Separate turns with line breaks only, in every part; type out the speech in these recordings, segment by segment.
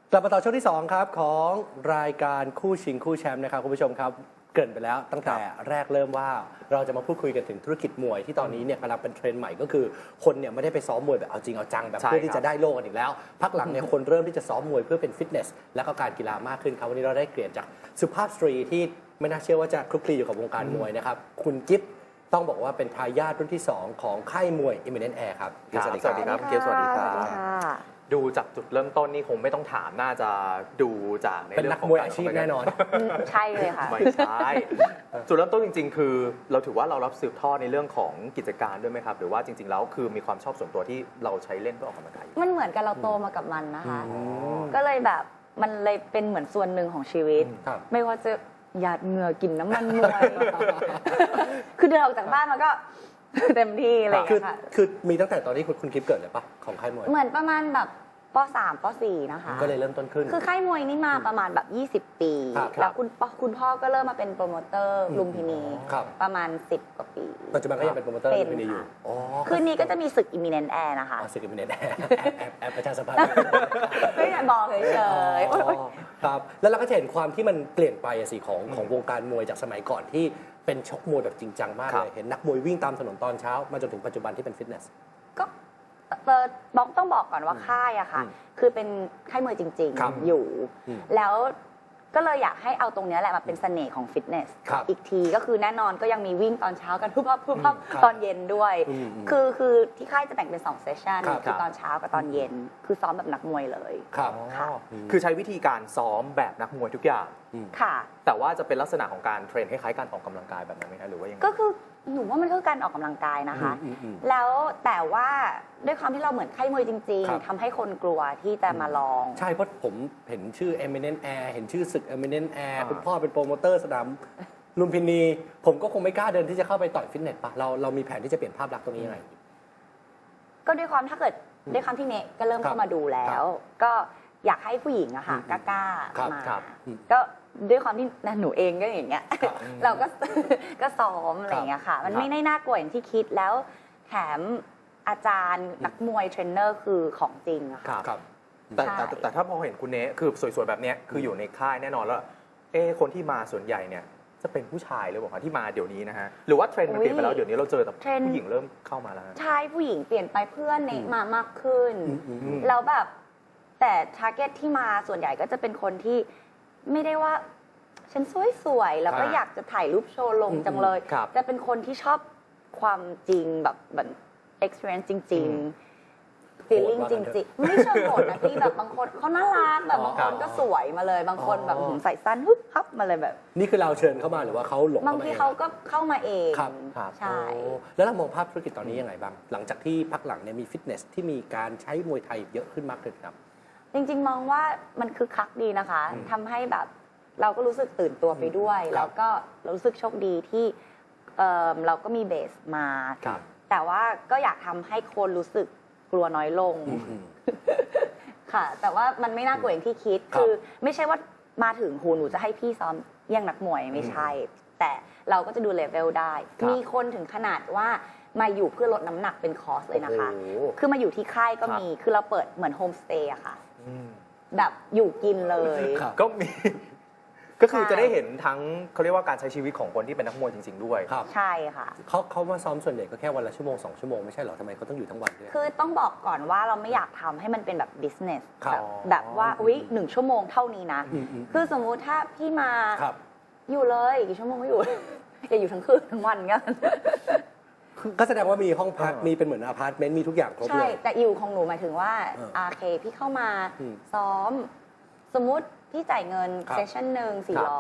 กลับมาต่อช่วงที่2ครับของรายการคู่ชิงคู่แชมป์นะครับคุณผู้ชมครับเกริ่นไปแล้วตั้งแต่แรกเริ่มว่าเราจะมาพูดคุยกันถึงธุรกิจมวยที่ตอนนี้เนี่ยกำลังเป็นเทรนด์ใหม่ก็คือคนเนี่ยไม่ได้ไปซ้อมมวยแบบเอาจริงเอาจังแบบเพื่อที่จะได้โล่กันอีกแล้วพักหลังเนี่ยคนเริ่มที่จะซ้อมมวยเพื่อเป็นฟิตเนสและก็การกีฬามากขึ้นครับวันนี้เราได้เกลียดจากสุภาพสตรีที่ไม่น่าเชื่อว่าจะคลุกคลีอยู่กับวงการมวยนะครับคุณกิฟต์ต้องบอกว่าเป็นทายาทรุ่นที่2ของค่ายมวย Eminent Air ครับ
สวัสดีครับเกียร์สวัสดีครับดูจากจุดเริ่มต้นนี่คงไม่ต้องถามน่าจะดูจากใน
เป็นนักมวยอาชีพแน่นอน
ใช่เลยค่ะ
ไม่ใช่จุดเริ่มต้นจริงๆคือเราถือว่าเรารับสืบทอดในเรื่องของกิจการด้วยไหมครับหรือว่าจริงๆแล้วคือมีความชอบส่วนตัวที่เราใช้เล่นเพื่อออกกำลังกาย
มันเหมือนกับเราโตมากับมันนะคะก็เลยแบบมันเลยเป็นเหมือนส่วนหนึ่งของชีวิตไม่ว่าจะหยาดเหงื่อกินน้ำมันมวยคือเดินออกจากบ้านมันก็เต็มที่อะไรอย่างเงี้ยค่ะ
คือมีตั้งแต่ตอนที่คุณกิฟต์เกิดเลยปะของค่ายมวย
เหมือนประมาณแบบป .3 ป .4 นะคะ
ก็เลยเริ่มต้นขึ้น
คือค่ายมวยนี่มาประมาณแบบ20 ปีแล้วคุณพ่อก็เริ่มมาเป็นโปรโมเตอร์ลุมพินีประมาณ10 กว่าปี
ปัจจุบันก็ยังเป็นโปรโมเตอร์ลุมพินีอยู่
คืนนี้ก็จะมีศึก Imminent Air นะคะ
ศึก Imminent Air แอบประชาสัมพันธ์
ไม่ได้บอกเฉย
ๆครับแล้วเราก็จะเห็นความที่มันเปลี่ยนไปสิของวงการมวยจากสมัยก่อนที่เป็นชกมวยแบบจริงจังมากเลยเห็นนักมวยวิ่งตามถนนตอนเช้ามาจนถึงปัจจุบันที่เป็นฟิตเนส
ก็ต้องบอกก่อนว่าค่ายอะค่ะคือเป็นค่ายมวยจริงๆอยู่แล้วก็เลยอยากให้เอาตรงนี้แหละมาเป็นเสน่ห์ของฟิตเนสอีกทีก็คือแน่นอนก็ยังมีวิ่งตอนเช้ากันทุบตอนเย็นด้วยคือที่ค่ายจะแบ่งเป็น2เซสชันคือตอนเช้ากับตอนเย็นคือซ้อมแบบนักมวยเลย
ครับ
คือใช้วิธีการซ้อมแบบนักมวยทุกอย่าง
ค่ะ
แต่ว่าจะเป็นลักษณะของการเทรนคล้ายๆการออกกำลังกายแบบนั้นไหมคะหรือว่ายังไง
ก็คือหนูว่ามันคือการออกกำลังกายนะคะแล้วแต่ว่าด้วยความที่เราเหมือนค่ายมวยจริงๆทำให้คนกลัวที่จะมาลอง
ใช่เพราะผมเห็นชื่อ Eminent Air เห็นชื่อศึก Eminent Air คุณพ่อเป็นโปรโมเตอร์สนามลุมพินีผมก็คงไม่กล้าเดินที่จะเข้าไปต่อยฟิตเนสปะเรามีแผนที่จะเปลี่ยนภาพลักษณ์ตรงนี้ยังไง
ก็ด้วยความถ้าเกิดด้วยความที่เนก็เริ่มเข้ามาดูแล้วก็อยากให้ผู้หญิงอะค่ะกล้ามาก็ด้วยความที่หนูเองก็อย่างเงี้ยเราก็ซ้อมอะไรอย่างเงี้ยค่ะมันไม่ได้น่ากลัวอย่างที่คิดแล้วแถมอาจารย์นักมวยเทรนเนอร์คือของจริงอะค่ะ
แต่ถ้าพอเห็นคุณเนคือสวยๆแบบนี้คืออยู่ในค่ายแน่นอนแล้วคนที่มาส่วนใหญ่เนี่ยจะเป็นผู้ชายหรือเปล่าคะที่มาเดี๋ยวนี้นะฮะหรือว่าเทรนด์มันเปลี่ยนไปแล้วเดี๋ยวนี้เราเจอแต่ผู้หญิงเริ่มเข้ามาแล้ว
ใช่ผู้หญิงเปลี่ยนไปเพื่อนเนมามากขึ้นแล้วแบบแต่ทาร์เก็ตที่มาส่วนใหญ่ก็จะเป็นคนที่ไม่ได้ว่าฉันสวยๆแล้วก็อยากจะถ่ายรูปโชว์ลงจังเลยจะเป็นคนที่ชอบความจริงแบบ experience จริงๆ feeling จริงๆไม่เชิงโหดนะพี่แบบบางคนเขาน่ารักแบบบางคนก็สวยมาเลยบางคนแบบใส่สั้นฮึบฮับมาเลยแบบ
นี่คือเราเชิญเข้ามาหรือว่าเขาหลง
บางทีเขาก็เข้ามาเองใช่
แล้วเรามองภาพธุรกิจตอนนี้ยังไงบ้างหลังจากที่พักหลังเนี่ยมีฟิตเนสที่มีการใช้มวยไทยเยอะขึ้นมากขึ้นครับ
จริงๆมองว่ามันคือคักดีนะคะทำให้แบบเราก็รู้สึกตื่นตัวไปด้วยแล้วก็รู้สึกโชคดีที่เราก็มีเบสมาแต่ว่าก็อยากทำให้คนรู้สึกกลัวน้อยลงค่ะแต่ว่ามันไม่น่ากลัวอย่างที่คิดคือไม่ใช่ว่ามาถึงหนูจะให้พี่ซ้อมแย่งนักมวยไม่ใช่แต่เราก็จะดูเลเวลได้มีคนถึงขนาดว่ามาอยู่เพื่อลดน้ำหนักเป็นคอร์สเลยนะคะคือมาอยู่ที่ค่ายก็มีคือเราเปิดเหมือนโฮมสเตย์อะค่ะแบบอยู่กินเลย
ก็มีก็คือจะได้เห็นทั้งเขาเรียกว่าการใช้ชีวิตของคนที่เป็นนักมวยจริงๆด้วย
ใช่ค่ะ
เขามาซ้อมส่วนใหญ่ก็แค่วันละชั่วโมง2 ชั่วโมงไม่ใช่หรอทำไมเขาต้องอยู่ทั้งวันด้วย
คือต้องบอกก่อนว่าเราไม่อยากทำให้มันเป็นแบบบิสเนสแบบว่า1 ชั่วโมงเท่านี้นะคือสมมุติถ้าพี่มาอยู่เลยกี่ชั่วโมงก็อยู่อย่าอยู่ทั้งคืนทั้งวันเงี้ย
ก็แสดงว่ามีห้องพักมีเป็นเหมือนอพาร์ตเมนต์มีทุกอย่างครบเลย
ใช่แต่อยู่ของหนูหมายถึงว่าเคพี่เข้ามาซ้อมสมมุติพี่จ่ายเงินเซสชั่นหนึ่ง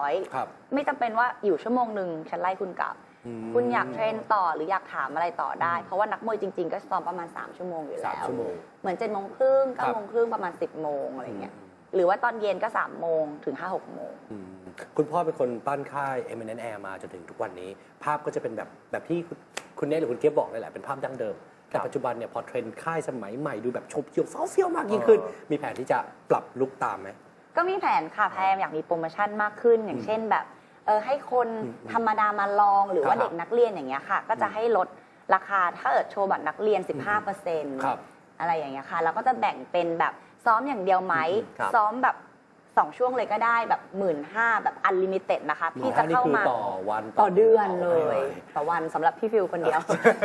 400ไม่จำเป็นว่าอยู่ชั่วโมงหนึ่งฉันไล่คุณกลับคุณอยากเทรนต่อหรืออยากถามอะไรต่อได้เพราะว่านักมวยจริงๆก็ซ้อมประมาณ3 ชั่วโมงอยู่แล้วเหมือน7 โมงครึ่ง9 โมงครึ่งประมาณ10 โมงอะไรเงี้ยหรือว่าตอนเย็นก็3 โมงถึง5-6 โมง
คุณพ่อเป็นคนปั้นค่าย Eminent Air มาจนถึงทุกวันนี้ภาพก็จะเป็นแบบที่คุณเนทหรือคุณเกียบบอกเลยแหละเป็นภาพดั้งเดิมแต่ปัจจุบันเนี่ยพอเทรนด์ค่ายสมัยใหม่ดูแบบชมเชียวเฟี้ยวมากยิ่งขึ้นมีแผนที่จะปรับลุคตามไหม
ก็มีแผนค่ะพยายามอยากมีโปรโมชั่นมากขึ้นอย่างเช่นแบบให้คนธรรมดามาลองหรือว่าเด็กนักเรียนอย่างเงี้ยค่ะก็จะให้ลดราคาถ้าเกิดโชว์บัตรนักเรียน 15% อะไรอย่างเงี้ยค่ะแล้วก็จะแบ่งเป็นแบบซ้อมอย่างเดียวไหม
ครับ
ซ้อมแบบ2 ช่วงเลยก็ได้แบบ15,000แบบอันลิมิเต็ดนะคะพี่จะเข้ามา
ต่อวัน
ต่อเดือนเลย
วัน
ต่อวันสำหรับพี่ฟิวคนเดียว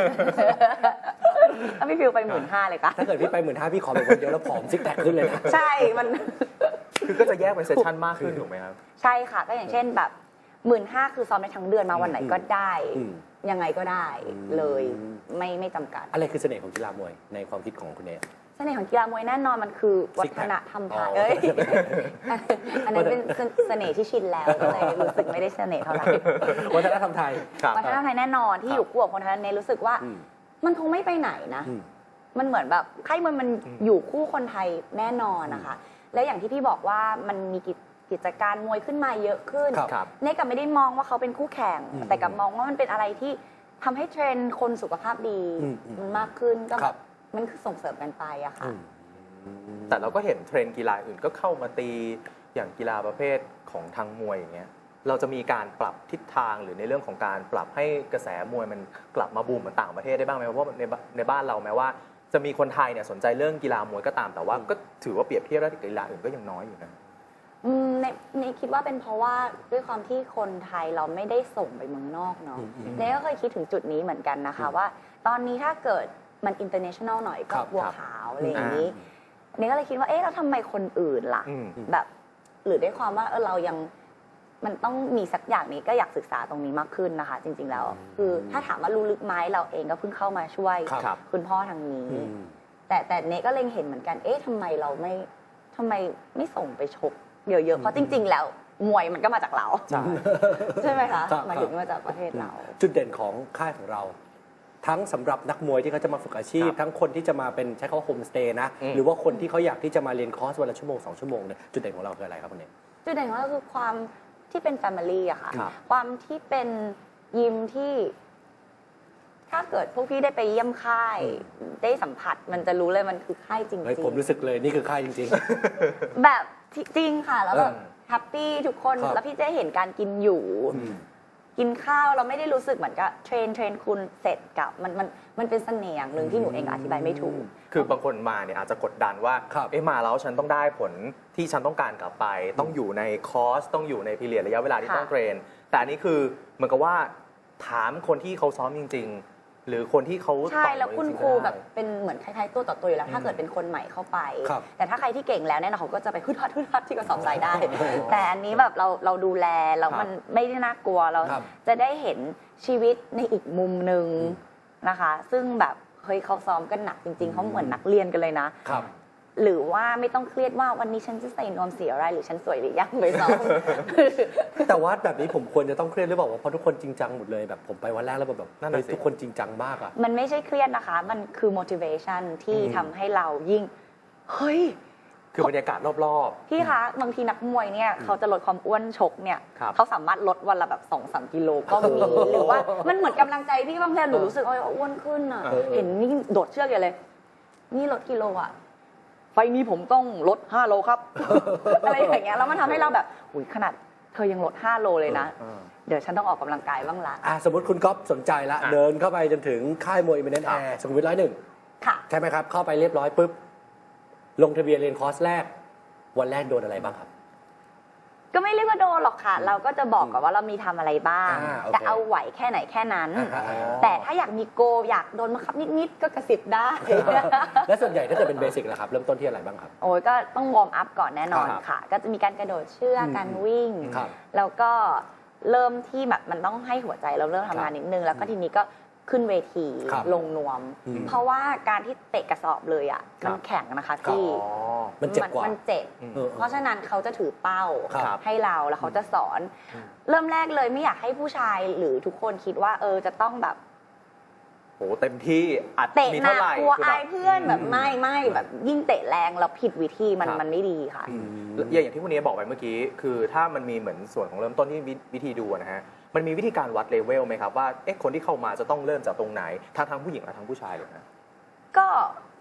ถ้าพี่ฟิวไป15,000เลยค่ะ
ถ้าเกิดพี่ไป15,000พี่ขอไปคนเดียวแล้วผอมซิกแพคขึ้นเลยนะ
ใช่มัน
คือก็จะแยกเป็นเซสชั่นมากขึ้นถูกไหมครับ
ใช่ค่ะ ก็อย่างเช่นแบบ15,000คือซ้อมได้ทั้งเดือนมาวันไหนก็ได้
อืม
ยังไงก็ได้เลย
อืม
ไม่จำกัด
อะไรคือเสน่ห์ของกีฬามวยในความคิดของคุณเนย
เสน่ห์ของกีฬามวยแน่นอนมันคือวัฒนธรรมไทย
อ๋อ
อันนั้นเป็นเสน่ห์ที่ชินแล้วก็เลยรู้สึกไม่ได้เสน่ห์เท่าไหร่
วัฒนธรรมไทย
ครับ
วัฒนธรรมไทยแน่นอนที่อยู่คู่กับคนไทยเนยรู้สึกว่า
อืม
มันคงไม่ไปไหนนะ
อืม
มันเหมือนแบบค่ายมวยมัน
อืม
อยู่คู่คนไทยแน่นอนนะคะ และอย่างที่พี่บอกว่ามันมีกิจการมวยขึ้นมาเยอะขึ้น
ครับ
ครับ
เนยกับไม่ได้มองว่าเขาเป็นคู่แข่ง
อืม
แต่กับมองว่ามันเป็นอะไรที่ทำให้เทรนด์คนสุขภาพดี
อืม
มันมากขึ้นก็
ครับ
มันคือส่งเสริมกันไปอะค่ะ
แต่เราก็เห็นเทรนด์กีฬาอื่นก็เข้ามาตีอย่างกีฬาประเภทของทางมวยอย่างเงี้ยเราจะมีการปรับทิศทางหรือในเรื่องของการปรับให้กระแสมวยมันกลับมาบูมเหมือนต่างประเทศได้บ้างไหมเพราะว่าในบ้านเราแม้ว่า จะมีคนไทยเนี่ยสนใจเรื่องกีฬามวยก็ตามแต่ว่าก็ถือว่าเปรียบเทียบแล้วกับกีฬาอื่นก็ยังน้อยอยู่นะ
ในคิดว่าเป็นเพราะว่าด้วยความที่คนไทยเราไม่ได้ส่งไปเมืองนอกเนาะเนยก็เคยคิดถึงจุดนี้เหมือนกันนะคะว่า ตอนนี้ถ้าเกิดมัน international หน่อยก็
ครับ
บัวขาวอะไรอย่างนี้เนยก็เลยคิดว่าเอ๊ะแล้วทำไมคนอื่นล่ะ
อืม
แบบหรือด้วยความว่าเรายังมันต้องมีสักอย่างนี้ก็อยากศึกษาตรงนี้มากขึ้นนะคะ จริง ๆ แล้ว คือถ้าถามว่ารู้ลึกไหมเราเองก็เพิ่งเข้ามาช่วย
ครับ
คุณพ่อทางนี้
อืม
แต่เนก็เล็งเห็นเหมือนกัน เอ๊ะทำไมเราทำไมไม่ส่งไปชกเยอะๆ เพราะจริง ๆ แล้วมวยมันก็มาจากเรา
ใช่
ใช่ไหมคะ
ครับ
หมายถึงมาจากประเทศเรา
จุดเด่นของค่ายของเรา ทั้งสำหรับนักมวยที่เขาจะมาฝึกอาชีพ
ครับ
ทั้งคนที่จะมาเป็นใช้คำว่าโฮมสเตย์นะ
อืม
หรือว่าคนที่เขาอยากที่จะมาเรียนคอร์สวันละชั่วโมง2 ชั่วโมงเนี่ยจุดเด่นของเราคืออะไรครับคุณเนย
จุดเด่นของเราคือความที่เป็นแฟมิลี่อะค่ะ
ครับ
ความที่เป็นยิมที่ ถ้าเกิดพวกพี่ได้ไปเยี่ยมค่าย ได้สัมผัสมันจะรู้เลยมันคือค่ายจริง
เฮ้ย
ๆ
ผมรู้สึกเลยนี่คือค่ายจริง
แบบจริงค่ะ แล้วแบบ
เออ
แฮปปี้ทุกคน
ครับ
แล้วพี่จะเห็นการกินอยู่
ๆอืม
กินข้าวเราไม่ได้รู้สึกเหมือนกับเทรนคุณเสร็จกับมันเป็นเสน่ห์อย่างหนึ่งที่หนูเองอธิบายไม่ถูก
คือบางคนมาเนี่ยอาจจะกดดันว่า
ครับ
เอ๊ะมาแล้วฉันต้องได้ผลที่ฉันต้องการกลับไป ต้องอยู่ในคอร์สต้องอยู่ในพีเรียดระยะเวลาที่
ค่ะ
ต้องเทรน แต่อันนี้คือเหมือนกับว่าถามคนที่เขาซ้อมจริง ๆ หรือคนที่เขา
ใช่
ต่อย
แล้วคุณ
จงๆ
ครู
ก็ได้
แบบเป็นเหมือนคล้ายๆตัวต่อตัวอยู่แล้ว ถ้าเกิดเป็นคนใหม่เข้าไป
ครับ
แต่ถ้าใครที่เก่งแล้วเนี่ยเขาก็จะไปฮึดฮัดที่กระสอบทรายได้ แต่อันนี้แบบเราดูแลแล้วมันไม่ได้น่ากลัวเรา
ครับ
จะได้เห็นชีวิตในอีกมุมหนึ่งนะคะ ซึ่งแบบเฮ้ยเขาซ้อมกันหนักจริงๆเขาเหมือนนักเรียนกันเลยนะ
ครับ
หรือว่าไม่ต้องเครียดว่าวันนี้ฉันจะใส่นวมสีอะไรหรือฉันสวยหรือยังไปซ้อม
แต่ว่าแบบนี้ผมควรจะต้องเครียดหรือเปล่าวะเพราะทุกคนจริงจังหมดเลยแบบผมไปวันแรกแล้วแบบ
นั่นน่ะ
เฮ้ย
สิ
ทุกคนจริงจังมากอ่ะ
มันไม่ใช่เครียดนะคะ มันคือ motivation ที่ทำให้เรายิ่ง เฮ้ย
คือบรรยากาศรอบ
พี่คะ บางทีนักมวยเนี่ยเขาจะลดความอ้วนชกเนี่ย
ครับ
เขาสามารถลดวันละแบบ2-3 กิโลก็มี หรือว่ามันเหมือนกำลังใจพี่บางทีหนูรู้สึกว่าอ้วนขึ้นอ่ะ เห็นนี่โดดเชือกอย่างเลย นี่ลดกิโลอ่ะ ไฟนี้ผมต้องลด5 โลครับ อะไรอย่างเงี้ยแล้วมันทำให้เราแบบอุ้ยขนาดเธอยังลด5 โลเลยนะ เดี๋ยวฉันต้องออกกำลังกายบ้างละ
สมมติคุณก๊อฟสนใจละ
อ่ะ
เดินเข้าไปจนถึงค่ายมวยอิมเมนต์แอร์สุขุมวิท101
ค่ะ
ใช่ไหมครับ เข้าไปเรียบร้อยปุ๊บ ลงทะเบียนเรียนคอร์สแรก วันแรกโดนอะไรบ้างครับ
ก็ไม่เรียกว่าโดนหรอกค่ะ เราก็จะบอกก่อนว่าเรามีทำอะไรบ้าง
โอเค
แต่เอาไหวแค่ไหนแค่นั้น
อ่า
แต่ถ้าอยากมีโกอยากโดนบังคับนิดๆก็กระสิบได้
และส่วนใหญ่ถ้าเกิดเป็นเบสิกนะครับ เริ่มต้นที่อะไรบ้างครับ
โอ้ยก็ต้องวอร์มอัพก่อนแน่นอน
ครับ
ค่ะ ก็จะมีการกระโดดเชือกการวิ่ง
ครับ
แล้วก็เริ่มที่แบบมันต้องให้หัวใจเราเริ่มทำงานนิดนึง แล้วก็ทีนี้ก็ขึ้นเวที
ครับ
ลงนวม
อืม
เพราะว่าการที่เตะกระสอบเลยอ่ะ
ครับ
มันแข็งนะคะ
ครับ
พี่
มันเจ็บกว่า
มันเจ็บ
เออ
เพราะฉะนั้นเขาจะถือเป้า
ครับ
ให้เราแล้วเขาจะสอน เริ่มแรกเลยไม่อยากให้ผู้ชายหรือทุกคนคิดว่าจะต้องแบบ
โหเต็มที่อัด
เตะ
มี
หนั
เท่าก ไหร่
กลัว
คือแบ
อา
บ
ยเพื่อนแบบไม่แบบยิ่งเตะแรงแล้วผิดวิธีมัน
ครับ
มันไม่ดีค่ะ
อย่างที่คุณเนยบอกไปเมื่อกี้ คือถ้ามันมีเหมือนส่วนของเริ่มต้นที่วิธีดูนะฮะ มันมีวิธีการวัดเลเวลไหมครับว่าคนที่เข้ามาจะต้องเริ่มจากตรงไหนทั้งผู้หญิงและทั้งผู้ชายเลยนะ
ก็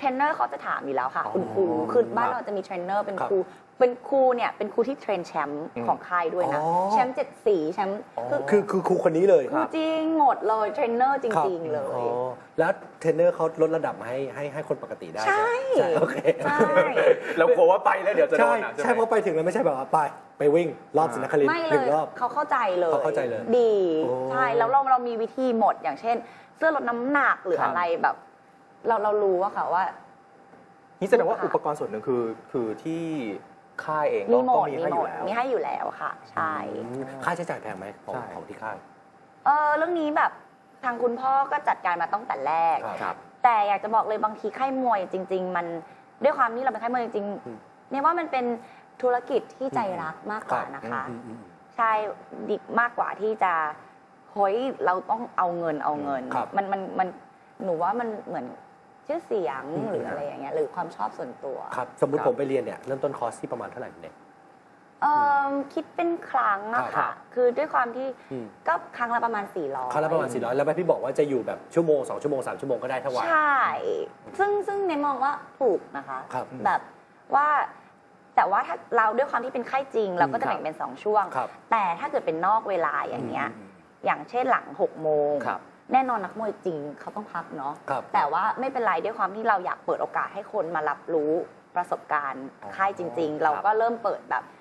เทรนเนอร์เขาจะถามอยู่แล้วค่ะ
อ๋อ
คุณครูคือบ้าน
ครับ
เราจะมีเทรนเนอร์เป็น
ครับ
ครูเป็นครูเนี่ยเป็นครูที่เทรนแชมป์ของค่ายด้วยนะ
อ๋อ
แชมป์7 สีแชมป์
คือครูคนนี้เลย
ครูจริงหมดเลยเทรนเนอร์จริง ๆ เลย
อ๋อแล้วเทรนเนอร์เขาลดระดับมาให้คนปกติได้
ใช่
ใช่โอเค
ใช่
แล้วกลัวว่าไปแล้วเดี๋ยวจะโด
ใช่
นหนัก
ใช่เพราะไปถึงแล้วไม่ใช่แบบว่าไปวิ่งรอบศรีนครินท
ไม่
ร์
เล
หนึ่ง
ย
รอบ
เขาเข้าใจเลย
เขาเข้าใจเลย
ดี
โอ้
ใช่แล้วเรามีวิธีหมดอย่างเช่น เสื้อลดน้ำหนักหรือ
ครับ
อะไรแบบ เรารู้อะค่ะว่า
นี่แสดงว่าอุปกรณ์ส่วนหนึ่งคือที่ค่ายเอง
มี
ก็
หมด
มี
มี
ให้
ห
อ
ม
ยู่
ด
แล้ว
มีให้อยู่แล้วค่ะ ใช่
ค่าใช้จ่ายแพงไหมของ
ใช่
ของที่ค่าย
เรื่องนี้แบบทางคุณพ่อก็จัดการมาตั้งแต่แรก
ครับ
แต่อยากจะบอกเลยบางทีค่ายมวยจริง ๆ มันด้วยความที่เราเป็นค่ายมวยจริง
อืม
ๆเนี่ยว่ามันเป็นธุรกิจที่ใจรักมากกว่านะคะ ใช่ดีมากกว่าที่จะเฮ้ยเราต้องเอาเงิน
ครับ
มันหนูว่ามันเหมือนชื่อเสียง
อืม
หรืออะไรอย่างเงี้ยหรือความชอบส่วนตัว
ครับสมมุติ
ครับ
ผมไปเรียนเนี่ยเริ่มต้นคอร์สที่ประมาณเท่าไหร่เนี่ย
คิดเป็นครั้งอะ
ครั
ค่ะ
บ
คือด้วยความที่
อืม
ก็ครั้งละประมาณ400
ครั้งละประมาณ400แล้วแม่พี่บอกว่าจะอยู่แบบชั่วโมง2ชั่วโมง3ชั่วโมงก็ได้ถ้าไหว
ใช่ ซึ่งในมองว่าถูกนะคะ
ครับ
แบบว่าแต่ว่าถ้าเราด้วยความที่เป็นค่ายจริง เราก็จะ
ครับ
แบ่งเป็น2ช่วง
ครับ
แต่ถ้าเกิดเป็นนอกเวลาอย่างเงี้ย อย่างเช่นหลัง6 โมง
ครับ
แน่นอนนักมวยจริงเขาต้องพักเนาะ
ครับ
แต่ว่าไม่เป็นไรด้วยความที่เราอยากเปิดโอกาสให้คนมารับรู้ประสบการณ์
อ๋อ
ค่ายจริง
ครับ
ๆ เราก็เริ่มเปิดแบบ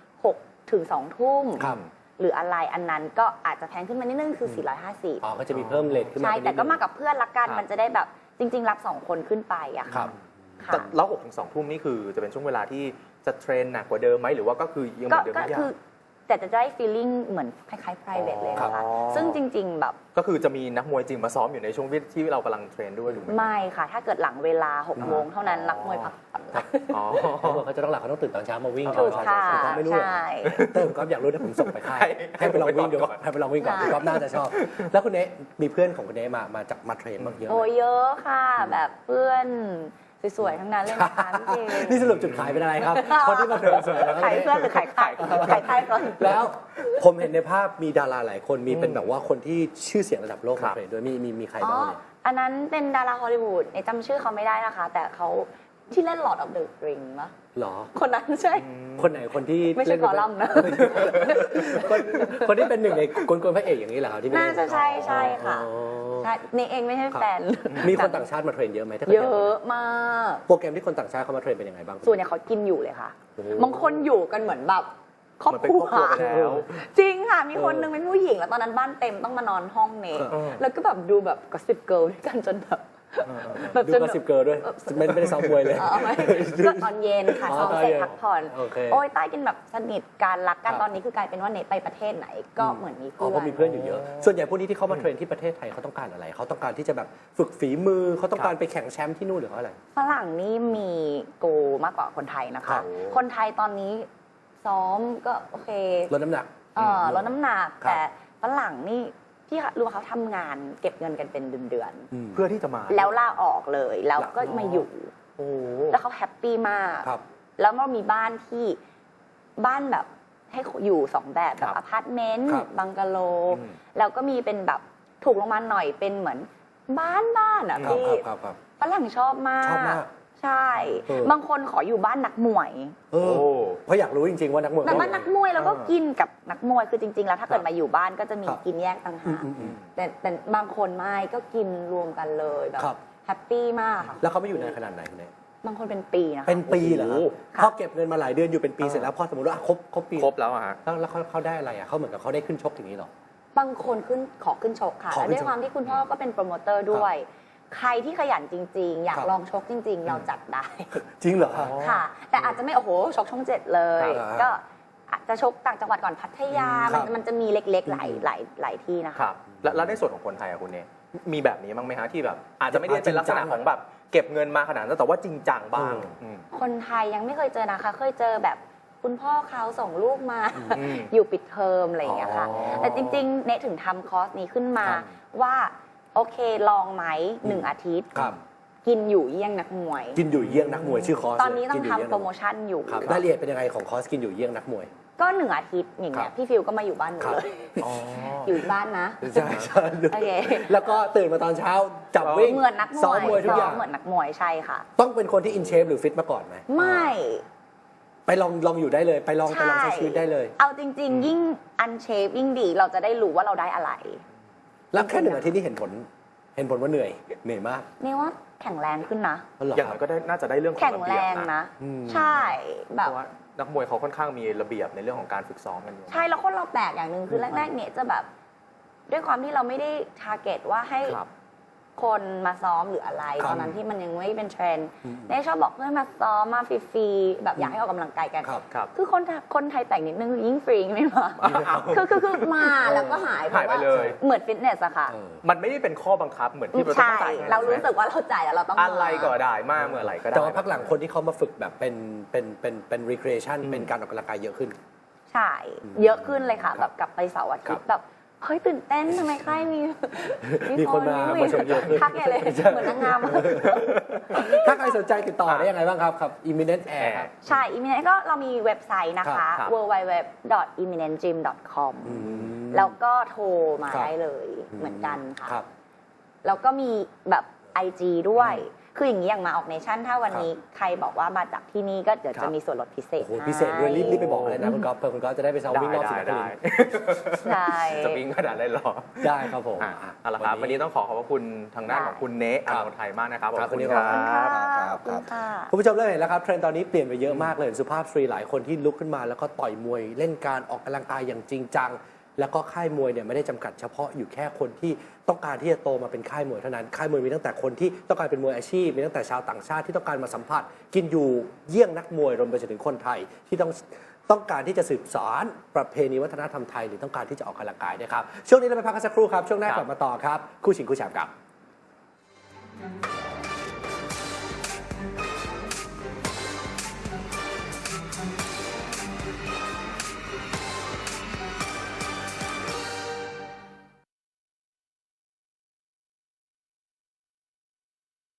6 ถึง 2 ทุ่ม
ครับ
หรืออะไรอันนั้นก็อาจจะแพงขึ้นมานิดนึงคือ 450
อ๋อก็จะมีเพิ่มเลทขึ้นมา
ใช่
เป็นนิด
แต่ก็
นึง
มากับเพื่อนละกัน
ครับ
มันจะได้แบบจริง ๆ รับ 2 คนขึ้นไปอะ
ครับ
ค่ะ
แต่แล้ว6 ถึง 2 ทุ่มนี่คือจะเป็นช่วงเวลาที่จะเทรนหนักกว่าเดิมไหมหรือว่าก็คือยังเหมือนเดิม
ก็
ทุกอย่า
คือง แต่จะได้ feeling เหมือนคล้ายๆ private เลยนะคะ
อ๋อ
ซึ่งจริง ๆ แบบ
ก็คือจะมีนักมวยจริงมาซ้อมอยู่ในช่วงที่เรากำลังเทรนด้วยถูกไหม
ไม่ค่ะ ถ้าเกิดหลังเวลา 6 โมงเท่านั้นนักมวยพักผ่อน
อ๋อ
เขาจะต้องหลับเขาต้องตื่นตอนเช้ามาวิ่ง
ถูกค่ะ
ผมก็ไม่รู้เหรอ
ใช่
แต่ผมก็อยากรู้นะผมส่งไปค่าย
ให้
ให้ไปลองวิ่งดู
ก่อน
ให้ไปลองวิ่งก่อน
ใช่
พี่ก๊อฟน่าจะชอบ แล้วคุณเนะมีเพื่อนของคุณเนะมาเทรนบ้างเยอะไหม
โอ้เยอะค่ะ แบบเพื่อนสวยๆ ทั้งนั้นเลยนะคะพี่เจ
นี่สรุปจุดขายเป็นอะไรครับ คนที่มาเทรนสวยแล้วก็
ขายเพื่อนหรือขายไข่ขายไข่ก่อน
แล้วผมเห็นในภาพมีดาราหลายคนมีเป็นแบบว่าคนที่ชื่อเสียงระดับโลก
ครั
มา
บ
เทรนด้วยมีใคร
อ๋อ
บ้างเนี่ย
อันนั้นเป็นดาราฮอลลีวูดในจำชื่อเขาไม่ได้นะคะ แต่เขาที่เล่น Lord of the Ring ปะ
หรอ
คนนั้นใช่
คนไหนคนที่
ไม่ใช่
เล่น
กอลัมน์นะ
คนที่เป็นหนึ่งในกลพระเอกอย่างนี้เหรอครับที่ไม่
น่า
เล่น
จะใช่ค่ะ
อ๋อ
ใช่เนเองไม่ใช่แฟน
มีคนต่างชาติมาเทรนเยอะไหมถ้ากิด
เยอะมาก
โปรแกรมที่คนต่างชาติเขามาเทรนเป็นยังไงบ้าง
ส่วนใหญ่เขากินอยู่เลยค่ะ
โอ้
บางคนอยู่กันเหมือนแบบครอบ
เหมือนเป็น
ครัว
ครอบครัวไปแล้ว
จริงค่ะ มีคนนึงเป็นผู้หญิงแล้วตอนนั้นบ้านเต็มต้องมานอนห้องเน
เออ
แล้วก็แบบดูแบบกอสิบเกิร์ลด้วยกันจนแบบ แบบ
ดู
จน
ก็สิบเกิร์ลด้วยไม่ได้ซ้อมมวยเลย
เอาไหมก็ตอนเย็นค่ะ
อ๋อ
ซ้อม
ตอน
เสร็จ
เย็น
พักผ่อน
โอเค
โอ้ยใต้กินแบบสนิทการรักกัน
ครับ
ตอนนี้คือกลายเป็นว่าเนไปประเทศไหนก็เหมือนมี
อ๋อ
เพื่อน
เพราะมีเพื่อนอยู่เยอะ ส่วนใหญ่พวกนี้ที่เขามาเทรนที่ประเทศไทยเขาต้องการอะไร เขาต้องการที่จะแบบฝึกฝีมือเขาต้องการไปแข่งแชมป์ที่นู่นหรือเขาอะไร
ฝรั่งนี่มีโกมากกว่าคนไทยนะ
ครั
คะ
บ
คนไทยตอนนี้ซ้อมก็โอเค
ลดน้ำหนัก
ลดน้ำหนัก
ครับ
แต่ฝรั่งนี่พี่รู้ว่าเขาทำงานเก็บเงินกันเป็นเดือน
เพื่อที่จะมา
ๆแล้วลาออกเลยแล้วก็มาอยู่
โอ้
แล้วเขาแฮปปี้มาก
ครับ
แล้วมันมีบ้านที่บ้านแบบให้อยู่สองแบบแบ
ครับ บ
อพาร์ตเมนต์
ครับ
บังกะโล
อืม
แล้วก็มีเป็นแบบถูกลงมาหน่อยเป็นเหมือนบ้านอ่ะ
ครับ
พี่
ครับ
ฝรั่งชอบมาก
ชอบมาก
ใช่
เออ
บางคนขออยู่บ้านนักมวย
เออเพราะอยากรู้จริงๆว่านักมวย
แต่บ้านนักมวยแล้วก็
เออ
กินกับนักมวยคือจริง ๆ แล้วถ้าเกิดมาอยู่บ้านก็จะมี
ครับ
กินแยกต่าง
อื
หาม ก
อืมอืม
แต่บางคนไม่ก็กินรวมกันเลยแบบ
ครับ
แฮปปี้มากค่ะ
แล้วเขาไม่อยู่นานขนาดไหนคุณเนย
บางคนเป็นปีนะคะ
เป็นปีเหรอ
โอ้โห
พอเก็บเงินมาหลายเดือนอยู่เป็นปีเสร็จแล้วพอสมมติว่าครบปี
ครบแล้วอะฮะ
แล้วเขาได้อะไรอ่ะเขาเหมือนกับเขาได้ขึ้นชกอย่างนี้เหรอ
บางคนขอขึ้นชกค่ะ
ขอขึ้นชก
และด้วยความที่คุณพ่อก็เป็นโปรโมเตอร์ด้วย ใครที่ขยันจริง ๆ อยาก
ครับ
ลองชกจริง ๆ เราจัดได้
จริงเหรอ
ค่ะ แต่อาจจะไม่โอ้โหชกช่องเจ็ดเลย
ครับ
ก็อาจจะชกต่างจังหวัดก่อนพัทยา
ครับ
มันจะมีเล็กๆหลายที่นะคะ
ครับแล้วในส่วนของคนไทยอะคุณเนี่ยมีแบบนี้บ้างไหมฮะที่แบบ อาจจะไม่ได้เป็นลักษณะของแบบเก็บเงินมาขนาดนั้นแต่ว่าจริงจังบ้างอืม
คนไทยยังไม่เคยเจอนะคะ เคยเจอแบบคุณพ่อเขาส่งลูกมา
อืม
อยู่ปิดเทอมอะไรอย่างเงี้ยค่ะ
อ๋อ
แต่จริงๆเนถึงทำคอร์สนี้ขึ้นมา
ครับ
ว่าโอเคลองไหม1 อาทิตย์
ครับ
กินอยู่เยี่ยงนักมวย
กินอยู่เยี่ยงนักมวยชื่อคอร์ส
ตอนนี้ต้อง
กิยู่เยี่
ทำโปรโมชั่นอยู่
ครับรายละเอียดเป็นยังไงของคอร์สกินอยู่เยี่ยงนักมวย
ก็1 อาทิตย์อย่างเงี้
ครั
ย
บ
พี่ฟิลก็มาอยู่บ้านหนู
ครับ
เลย
อ๋อ
อยู่บ้านนะ
ใช่ใช่
โอเค
แล้วก็ตื่นมาตอนเช้าจับวิ่ง
เหมือนนักม
ซ้อ
ว
ม
ย
มวยทุกอย่าง
เหมือนนักมวยใช่ค่ะ
ต้องเป็นคนที่อินเชฟหรือฟิตมาก่อนไหม
ไม่
ไปลองอยู่ได้เลย ไปลองใช้ชีวิตได้เลย
เอาจริง ๆ ยิ่งอันเชฟยิ่งดีเราจะได้รู้ว่าเราได้อะไร
แล้วแค่1 อาทิตย์นี่เห็นผลว่าเหนื่อยมาก
นี่ว่าแข็งแรงขึ้นนะ
อ๋อเหรอ
อย่าง
ค
นั้
รับ
นก็ได้น่าจะได้เรื่องของ
แข็ง
ระ
แร
เบียบ
ง
นะ
นะ
อืม
ใช่แบ
เพ
บ
ราะว่านักมวยเขาค่อนข้างมีระเบียบในเรื่องของการฝึกซ้อมกันอยู่
ใช่แล้วคนเราแปลกอย่างหนึ่งคือแรก ๆ เนี่ยจะแบบ ด้วยความที่เราไม่ได้ทาร์เก็ตว่าให้
ครับ
คนมาซ้อมหรืออะไร
ครับ
ตอนนั้นที่มันยังไม่เป็นเทรนด์
อืม
ได้ชอบบอกเพื่อนมาซ้อมมาฟรีๆแบบอยากให้ออกกำลังกายกัน
ครับ
ครับ
คือคนไทยแต่งนิดนึงยิ่งฟรีไม่มา
อ้าว
คือมาแล้วก็หาย
หายไปเลย
เหมือนฟิตเนสอะค่ะ
เออ
มันไม่ได้เป็นข้อบังคับเหมือนที่เราต้อง
ใช่
จ่ายเงิน
เรารู้สึกว่าเราจ่ายแล้วเราต้องมา
อะไรก็ได้มากเมื่อไหร่ก็ได้
แต่ว่าพักหลังคนที่เขามาฝึกแบบเป็น recreation เป็นการออกกำลังกายเยอะขึ้น
ใช่ เยอะขึ้นเลยค่ะ
ครับ
แบบกลับไปเสาร์อาทิต
ครั
ย์
บ
แบบเฮ้ยตื่นเต้นทำไมค่ายมี
มีคนมาชมเยอะขึ้น
ทักใหญ่เลยเหมือนนางงาม
ถ้าใครสนใจติดต่อได้ยังไงบ้างครับ Imminent Air ครับ
ใช่ Imminent ก็เรามีเว็บไซต์นะคะ
ครับ
www.imminentgym.com
อืม
แล้วก็โทรมา
ครับ
ได้เลยเหมือนกันค่ะ
ครับ
แล้วก็มีแบบ IG ด้วย คืออย่างนี้อย่างมาออกเนชั่นถ้าวันนี้ใครบอกว่ามาจากที่นี่ก็เดี๋ยว
ครั
จะ
บ
มีส่วนลดพิเศษ
โอ้โหพิเศษด้วยรีบไปบอกเลยนะคุณก๊อฟเพื่อคุณก๊อฟจะได้ไปซ้อมวิ่งรอบ
ได้
สิบ
ได้
นาที
ใช่
จะวิ่งขนาดนั้นเหรอ
ได้ครับผม
อ่ะเอาละครับวันนี้ต้องขอบพระคุณทางด้านของคุณเนะอานนท์ไทยมากนะครับ
ครับ
ขอบคุณ
วันนี้
ค
ข
รั
อบคุณ
ค่ะ
ครับ
ขอบคุณค่ะ
คุณผู้ชมเริ่มเห็นแล้วครับเทรนด์ตอนนี้เปลี่ยนไปเยอะมากเลยสุภาพสตรีหลายคนที่ลุกขึ้นมาแล้วก็ต่อยมวยเล่นการออกกำลังกายอย่างจริงจังแล้วก็ค่ายมวยเนี่ยไม่ได้จำกัดเฉพาะอยู่แค่คนที่ต้องการที่จะโตมาเป็นค่ายมวยเท่านั้นค่ายมวยมีตั้งแต่คนที่ต้องการเป็นมวยอาชีพมีตั้งแต่ชาวต่างชาติที่ต้องการมาสัมผัสกินอยู่เยี่ยงนักมวยรวมไปจนถึงคนไทยที่ต้องการที่จะสืบสานประเพณีวัฒนธรรมไทยหรือต้องการที่จะออกกำลังกายนะครับช่วงนี้เราไปพักกันสักครู่ครับช่วงหน้ากลับมาต่อครับคู่ชิงคู่แชมป์ครับ